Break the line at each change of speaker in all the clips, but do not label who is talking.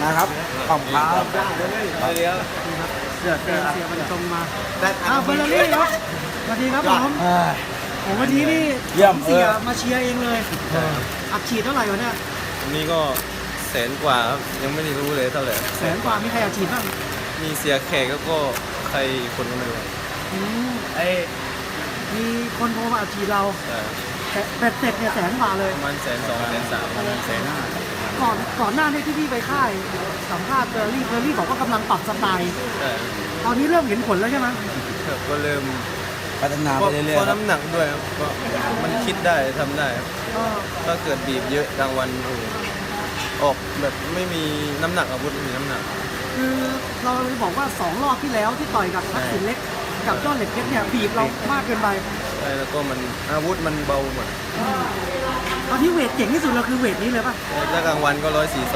นะครับขอบคุณครับ
เดี๋ยว
เสียมันตรงมาเฟอร์รารี่ครับสวัสดีครับผมโอ้วันนี้นี่
เยี่ยม
เสียมาเชียร์เองเลยอัดฉีดเท่าไหร่วะเนี่ย
วันนี้ก็แสนกว่าครับยังไม่ได้รู้เลยเท่าไหร่
แสนกว่ามีใครอัดฉีดบ้าง
มีเสียแขกแล้วก็ใครคนก็ไม่รู้
อืมมีคนโทรมาอัดฉีดเรา
แต่
แต่เบ็ดเสร็จเนี่ยแสนกว่าเลย
ประมาณ100,000 200,000 300,000 150,000
ก่อนหน้านี้ที่พี่ไปค่ายสัมภาษณ์เฟอร์รี่บอกว่ากำลังปรับสไตล์
แต่
ตอนนี้เริ่มเห็นผลแล้วใช่ไหม
ก็เริ่ม
พัฒนา
เพ
ไป
ราะ
เรื่อยๆครับ
น้ำหนักด้วยครับก็มันคิดได้ทำได้ครับ
ก็
ถ้าเกิดบีบเยอะกลางวันโอ้โหออกแบบไม่มีน้ำหนักอาวุธไม่มีน้ำหนัก
คือเราเลยบอกว่า2 รอบที่แล้วที่ต่อยกับทักษิณเล็กกับยอดเหล็กเพชรเนี่ยบีบเรามากเกินไป
ใช่แล้วก็มันอาวุธมันเบาหมด
ตอนที่เวทเจ๋งที่สุดเราคือเวทนี้เลยป่ะ
ถ้ากลางวันก็142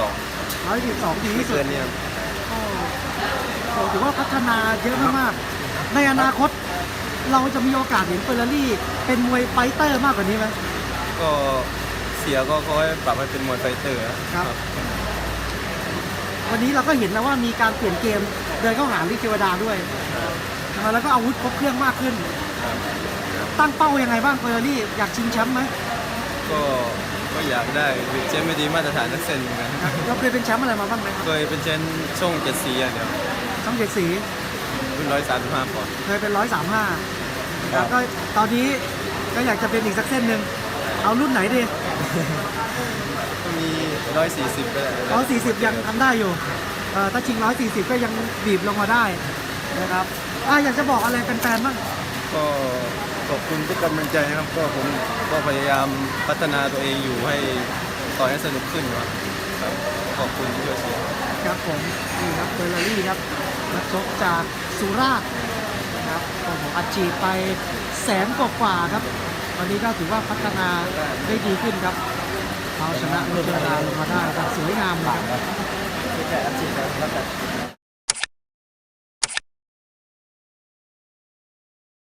112ดี
ไม่
ที่สุด
เกินเนี่ยครับ
ก็ถือว่าพัฒนาเยอะมากๆในอนาคตเราจะมีโอกาสเห็นเฟอร์รารี่เป็นมวยไฟเตอร์มากกว่านี้ไหม
ก็เสียก็ค่อยปรับให้เป็นมวยไฟเตอร์ครับ
วันนี้เราก็เห็นแล้วว่ามีการเปลี่ยนเกมเดินเข้าหาลิเทวดาด้วยแล้วก็อาวุธครบเครื่องมากขึ้น ตั้งเป้ายังไงบ้างเฟอร์รารี่อยากชิงแชมป์ไหม
ก็อยากได้เชมป์ไม่ดีมาตรฐานนักเซนเหมือนกัน
เราเคยเป็นแชมป์อะไรมาบ้างไหมครับ
เคยเป็นเชมป์ช่อง7 สีอย่างเดียว
ช่องเจ็ดสี
รุ่น135ปอนด์
เคยเป็น135แล้วก็ตอนนี้ก็อยากจะเป็นอีกสักเส้นหนึ่งเอารุ่นไหนดี
ก็มี140ไปแล้ว
140ยังทำได้อยู่ถ้าชิง140ก็ยังบีบลงมาได้นะครับอยากจะบอกอะไรแฟนๆบ้าง
ก็ขอบคุณทุกกำลังใจนะครับก็ผมก็พยายามพัฒนาตัวเองอยู่ให้ต่อยให้สนุกขึ้นครับขอบคุณที่ช่วยเชียร์
ครับผมนี่ครับเฟอร์รารี่ครับนักชกจากสุราษฎร์นะครับโอ้โหอัดฉีดไปแสนกว่าครับวันนี้ก็ถือว่าพัฒนาได้ดีขึ้นครับเอาชนะลุเทวดาลงมาได้แบบสวยงามเลยครับ
แค่อัดฉีดแล้วแต่